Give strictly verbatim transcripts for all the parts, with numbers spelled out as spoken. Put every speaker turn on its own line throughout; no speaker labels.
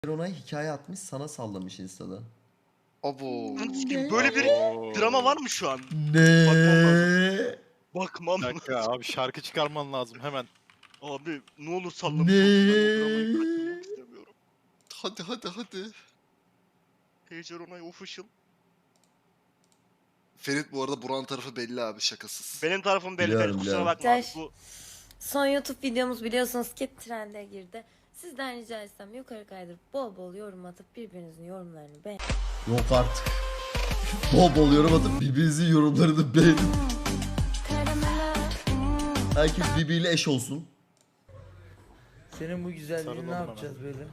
Ona hikaye atmış, sana sallamış Insta'da.
Abo.
Böyle bir drama var mı şu an?
Ne?
Bakmam
Bir
lazım.
dakika abi, şarkı çıkarman lazım hemen.
Abi ne olur sallamış
Ne?
olsun, ben o dramayı kaçırmak istemiyorum.
Hadi hadi hadi.
Pager Onay official.
Ferit bu arada Buran tarafı belli abi, şakasız.
Benim tarafım belli,
Biliyorum,
belli kusura
biliyorum.
bakma abi.
Güzel.
Bu
Son YouTube videomuz biliyorsunuz ki trende girdi. Sizden rica etsem yukarı kaydırıp bol bol yorum atıp birbirinizin yorumlarını beğen.
Yok artık. Bol bol yorum atıp birbirinizin yorumlarını beğenin. Herkes birbiriyle eş olsun.
Senin bu güzelliğini
Sarıl
ne
oğlum
yapacağız böyle?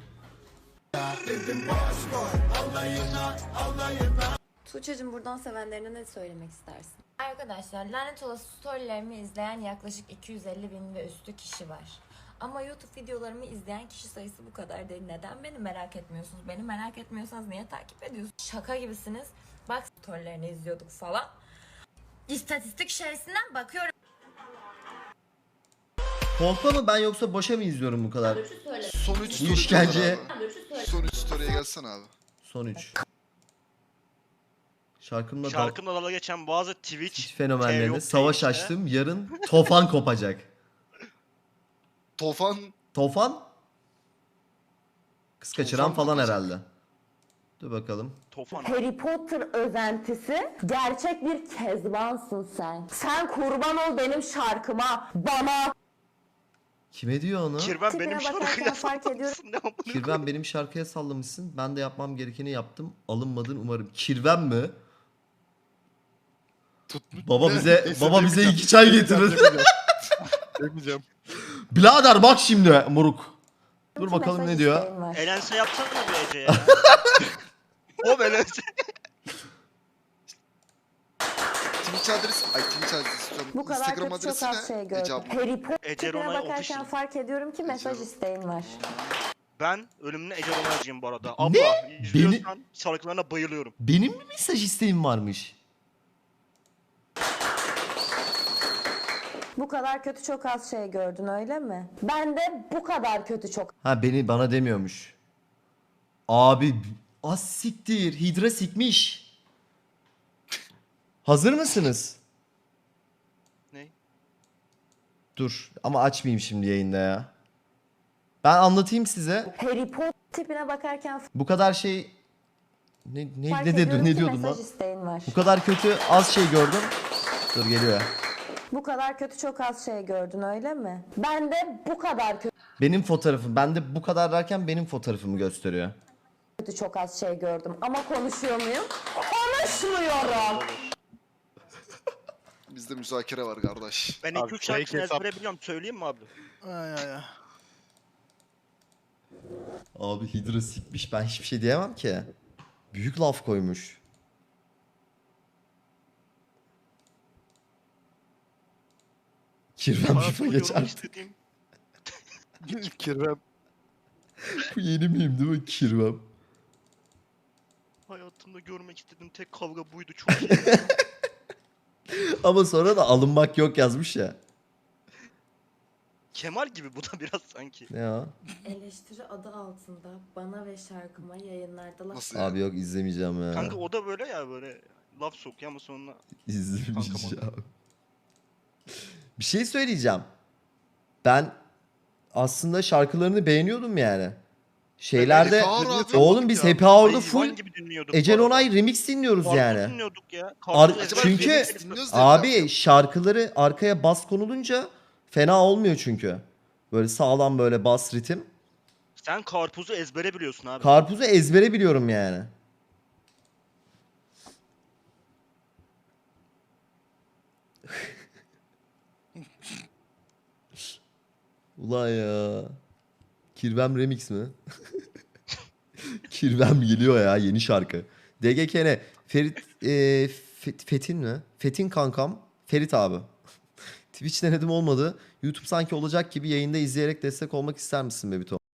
Tuğçe'cim buradan sevenlerine ne söylemek istersin? Arkadaşlar lanet olası storylerimi izleyen yaklaşık iki yüz elli bin ve üstü kişi var. Ama YouTube videolarımı izleyen kişi sayısı bu kadar değil. Neden beni merak etmiyorsunuz? Beni merak etmiyorsanız niye takip ediyorsunuz? Şaka gibisiniz. Bak storylerini izliyorduk falan. İstatistik içerisinden bakıyorum.
Kolpa mı ben yoksa boşa mı izliyorum bu kadar?
Son üç
Bu
story
işkence.
abi. Son üç story'e gelsene abi.
Son üç. Şarkımda dal-
şarkımla dalga geçen bazı Twitch
Twitch fenomenlerine
T V
savaş
işte.
açtım. Yarın tofan kopacak.
Tofan
Tofan? Kız kaçıran
Tufan
falan
kopacak.
herhalde. Dur bakalım.
Tofan.
Harry Potter özentisi, gerçek bir kezbansın sen. Sen kurban ol benim şarkıma, bana.
Kime diyor onu?
Kirben
Tipine
benim
bakarken
şarkıya
fark ediyorum.
sallamışsın, ne amına koyayım?
Kirven benim şarkıya sallamışsın. Ben de yapmam gerekeni yaptım. Alınmadın umarım. Kirven mi?
Tutmuş.
Baba bize
Neyse,
baba bize
demeyeceğim.
iki çay
Demeyeceğim,
getirir.
demeyeceğim. Demeyeceğim.
Birader bak şimdi moruk. Dur bakalım
Mesaj
ne diyor.
isteğim var.
Elense yapsana bir Ece ya. O Elense.
Twitch adresi, ay Twitch adresi istiyorum.
Bu kadar
Instagram
kötü çok
adresi
az şey
ne?
gördüm.
Ece abla.
Harry Potter
Ece
tipine
Ronay
bakarken
official.
fark ediyorum ki mesaj
Ece-
isteğin var.
Ben ölümüne Ece Onay'cıyım bu arada. Abla izliyorsan şarkılarına bayılıyorum.
Benim mi mesaj isteğim varmış?
Bu kadar kötü çok az şey gördün öyle mi? Ben de bu kadar kötü çok
Ha beni bana demiyormuş. Abi az siktir. Hidra sikmiş. Hazır mısınız?
Ne?
Dur ama açmayayım şimdi yayında ya. Ben anlatayım size.
Harry Potter tipine bakarken
Bu kadar şey ne ne
fark
ne
ediyorum
dedin ne
ki
diyordun
mesaj
lan?
isteğin var.
Bu kadar kötü az şey gördüm. Dur geliyor ya.
Bu kadar kötü çok az şey gördün öyle mi? Ben de bu kadar
Benim fotoğrafım. Ben de bu kadar derken benim fotoğrafımı gösteriyor.
kötü çok az şey gördüm. Ama konuşuyor muyum? Konuşmuyorum.
Bizde müzakere var kardeş.
Ben
Abi,
iki üç
fake
şarkısını
hesap.
ezbere biliyorum. Söyleyeyim mi abi?
Ay ay ay.
Abi Hidra sikmiş. Ben hiçbir şey diyemem ki. Büyük laf koymuş. Kirven FIFA
Hayatımda
geçer.
görmek istediğim
Kirvem.
Bu yeni miyim değil mi? Kirven.
Hayatımda görmek istediğim tek kavga buydu. Çok iyi.
Ama sonra da alınmak yok yazmış ya.
Kemal gibi bu da biraz sanki.
Ne o?
Eleştiri adı altında bana ve şarkıma yayınlarda laf
Nasıl ya?
Abi yok izlemeyeceğim ya.
Kanka o da böyle ya, böyle laf sokuyor ama sonra
İzlemeyeceğim. Bir şey söyleyeceğim. Ben aslında şarkılarını beğeniyordum yani. Şeylerde
Happy Hour abi.
oğlum biz
Ya,
Happy Hour'da
hayvan
full
gibi dinliyorduk
Ecel
bu arada.
Onay remix dinliyoruz
Karpuz
yani.
dinliyorduk ya.
Ar-
Karpuz
Acaba
çünkü
remix dinliyoruz diye
abi
mi yaptın?
şarkıları arkaya bas konulunca fena olmuyor çünkü. Böyle sağlam böyle bas ritim.
Sen karpuzu ezbere biliyorsun abi.
Karpuzu ezbere biliyorum yani. Ulan ya. Kirvem remix mi? Kirvem geliyor ya yeni şarkı. D G K N. Ferit e, Fet- Fetin mi? Fetin kankam. Ferit abi. Twitch denedim olmadı. YouTube sanki olacak gibi yayında izleyerek destek olmak ister misin Bebito?